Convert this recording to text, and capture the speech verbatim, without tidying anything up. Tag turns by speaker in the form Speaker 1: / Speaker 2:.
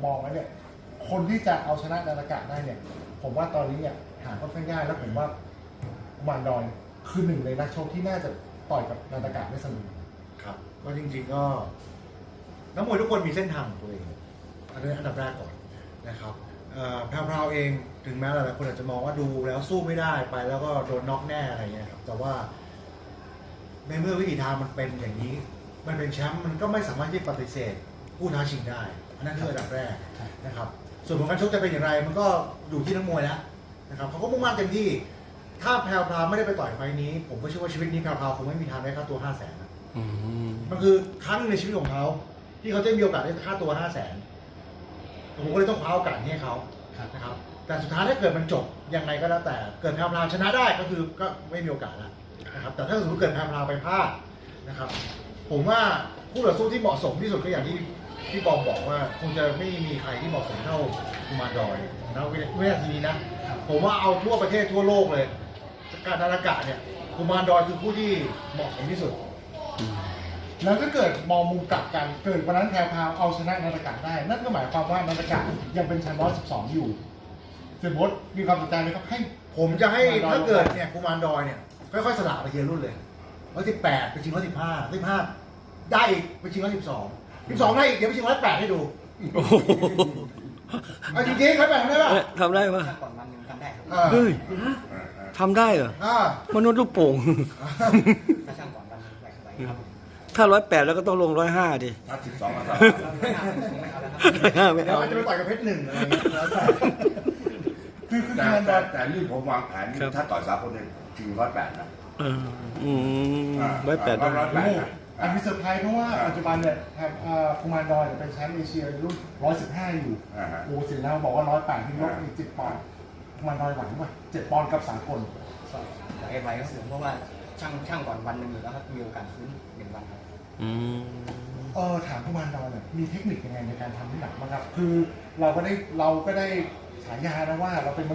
Speaker 1: มองแล้วเนี่ยคนที่จะเอาชนะนาฏกะได้เนี่ยผมว่าตอนนี้เนี่ยหาค่อนข้างยากแล้วผมว่ากุมารดอยคือหนึ่งในนักชกที่น่าจะต่อยกับนาฏกะได้สนุก
Speaker 2: ครับก็จริงๆก็นักมวยทุกคนมีเส้นทางของตัวเองอันนี้อันดับแรกก่อนนะครับแพรวๆเองถึงแม้หลายๆคนอาจจะมองว่าดูแล้วสู้ไม่ได้ไปแล้วก็โดนน็อกแน่อะไรเงี้ยครับแต่ว่าในเมื่อวิถีทางมันเป็นอย่างนี้มันเป็นแชมป์มันก็ไม่สามารถที่ปฏิเสธผู้ท้าชิงได้อันนั้นคืออันดับแรกนะครับส่วนผลการชกจะเป็นอย่างไรมันก็อยู่ที่นักมวยแล้วนะครับเขาก็มุ่งมั่นเต็มที่ถ้าแพรวๆไม่ได้ไปต่อยไฟนี้ ผมก็เชื่อว่าชีวิตนี้แพรวๆคงไม่มีทางได้ค่าตัวห้าแสนมันคือครั้งในชีวิตของเขาที่เขาจะมีโอกาสได้ค่าตัวห้าแสนผมก็เลยต้องคว้าโอกาสนี้ให้เขานะครับแต่สุดท้ายถ้าเกิดมันจบยังไงก็แล้วแต่เกิดแพรวๆชนะได้ก็คือก็ไม่มีโอกาสแล้วนะครับแต่ถ้าสมมติเกิดแพรวๆไปพลาดนะครับผมว่าคู่ต่อสู้ที่เหมาะสมที่สุดก็อย่างที่ที่บอมบอกว่าคงจะไม่มีใครที่เหมาะสมเท่ากุมารดอยนะวินาทีนี้นะผมว่าเอาทั่วประเทศทั่วโลกเลยการนาฏกะเนี่ยกุมารดอยคือผู้ที่เหมาะสมที่สุด
Speaker 1: แล้วถ้าเกิดมองมุมกลับกันเกิดวันนั้นแพรวพาวเอาชนะนาฏกะได้นั่นก็หมายความว่านาฏกะยังเป็นแชมป์ร้อยสิบสองอยู่เสียบดมีความสนใจไหมครับให้
Speaker 2: ผมจะให้ถ้าเกิดเนี่ยกุมารดอยเนี่ยค่อยๆสละไปเทียรุ่นเลยร้อยสิบแปดไปชิงร้อยสิบห้าร้อยสิบห้าได้อีกไปชิงร้อยสิบสองสิบสองได้อีกเดี๋ยวไปชิงร้อยแปดให้ดูเอาจริงๆร้อยแปดทำได้ป่ะ
Speaker 3: ทำได้ป่ะ
Speaker 4: ก่อนวันหนึ่งทำได้ครับ
Speaker 3: เฮ้ยทำได้เหรอมนุษย์ลูกโป่ง
Speaker 4: ถ้าช่างก่อนวันหนึ่งไหวไหวครับ
Speaker 3: ถ้าร้อยแปดแล้วก็ต้องลงร้อยห้าดิ
Speaker 5: ถ้าสิบสองก็ต้อง
Speaker 2: ไม่เอาจะไปต่อยกับเพชรหนึ่งอะไรอย่างเงี้ย
Speaker 1: คือคือ
Speaker 5: แต่
Speaker 1: การ
Speaker 5: แต่แต่นี่ผมวางแผนถ้าต่อยสากลเนี่ยชิงร้อยแปดนะ
Speaker 3: อืมร้อยแปดร้อยแปด
Speaker 1: อันนี้เซอร์ไพรส์เพราะว่าปัจจุบันเนี่ยกุมารดอยเป็นแชมป์เอเชียรุ่นร้อยสิบห้าอยู่โอ้สิแล้วบอกว่าร้อยแปดที่ลดอีกเจ็ดปอนด์กุมารดอยไหวป่ะเจ็ดปอนด์กับสากล
Speaker 4: ไหวไหวก็สูงเพราะว่าช่างช่างก่อนวันหนึ่งอยู่แล้วครับมีโอกาสฟื้นหนึ่งวันครับ
Speaker 3: อืม
Speaker 1: เออถามกุมารดอยเนี่ยมีเทคนิคยังไงในการทำน้ำหนักบ้างครับคือเราก็ได้เราก็ได้ฉายานะว่าเราเป็น